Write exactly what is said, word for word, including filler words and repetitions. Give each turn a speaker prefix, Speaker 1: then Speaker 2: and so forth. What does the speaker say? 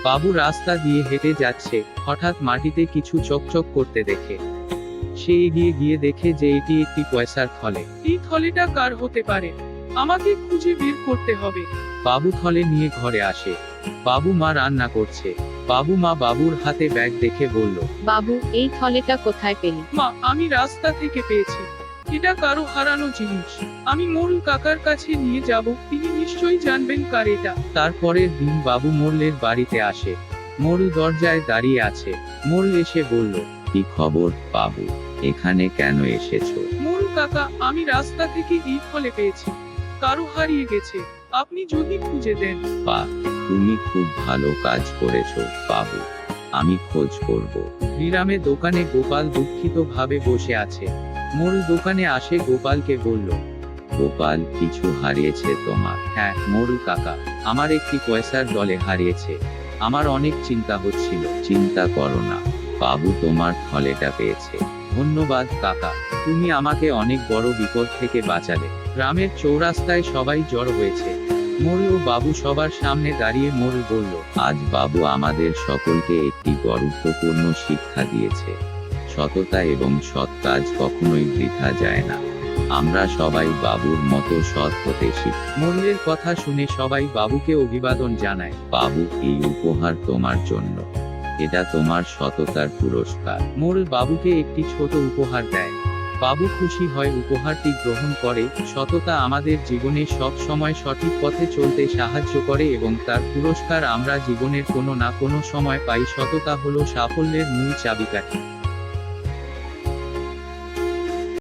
Speaker 1: বাবু রাস্তা দিয়ে হেঁটে যাচ্ছে, হঠাৎ মাটিতে কিছু চকচক করতে দেখে। সে এগিয়ে গিয়ে দেখে যে এটি একটি পয়সার থলে।
Speaker 2: এই থলেটা কার হতে পারে? আমাকে খুঁজে বের করতে হবে।
Speaker 1: বাবু থলে নিয়ে ঘরে আসে। বাবু মা রান্না করছে। বাবু মা বাবুর হাতে ব্যাগ দেখে বলল,
Speaker 3: বাবু, এই থলেটা কোথায় পেলি?
Speaker 2: মা, আমি রাস্তা থেকে পেয়েছি। এটা কারো হারানো জিনিস। আমি মোড়ল কাকার কাছে নিয়ে যাব, তিনি নিশ্চয়ই জানবেন কার এটা।
Speaker 1: তারপরের দিন বাবু মোড়লের বাড়িতে আসে। মোড়ল দরজায় দাঁড়িয়ে আছে। মোড়ল এসে বলল, কি খবর বাবু, এখানে কেন এসেছো?
Speaker 2: মোড়ল কাকা, আমি রাস্তা থেকে এই ফলে পেয়েছি। কারো হারিয়ে গেছে, আপনি যদি খুঁজে দেন।
Speaker 1: বাহ, তুমি খুব ভালো কাজ করেছো বাবু, আমি খোঁজ করব। গ্রামে দোকানে গোপাল দুঃখিত ভাবে বসে আছে। মোড়ল দোকানে আসে গোপালকে বলল, গোপাল, কিছু হারিয়েছে তোমার? হ্যাঁ মোড়ল কাকা, আমার একটি পয়সার দলে হারিয়েছে। আমার অনেক চিন্তা হচ্ছিল। চিন্তা করো না, বাবু তোমার থলেটা পেয়েছে। ধন্যবাদ কাকা, তুমি আমাকে অনেক বড় বিপদ থেকে বাঁচালে। গ্রামের চৌরাস্তায় সবাই জড়ো হয়েছে। মোড়ল ও বাবু সবার সামনে দাঁড়িয়ে মোড়ল বলল, আজ বাবু আমাদের সকলকে একটি গুরুত্বপূর্ণ শিক্ষা দিয়েছে। সততা এবং সৎ কাজ কখনোই বৃথা যায় না। আমরা সবাই বাবুর মতো সৎ হতে শিখি। মোড়লের কথা শুনে সবাই বাবুকে অভিবাদন জানায়। বাবু, এই উপহার তোমার জন্য। এটা তোমার সততার পুরস্কার। মোড়ল বাবুকে একটি ছোট উপহার দেয়। বাবু খুশি হয়, উপহারটি গ্রহণ করে। সততা আমাদের জীবনে সব সময় সঠিক পথে চলতে সাহায্য করে এবং তার পুরস্কার আমরা জীবনের কোনো না কোনো সময় পাই। সততা হলো সাফল্যের মূল চাবিকাঠি।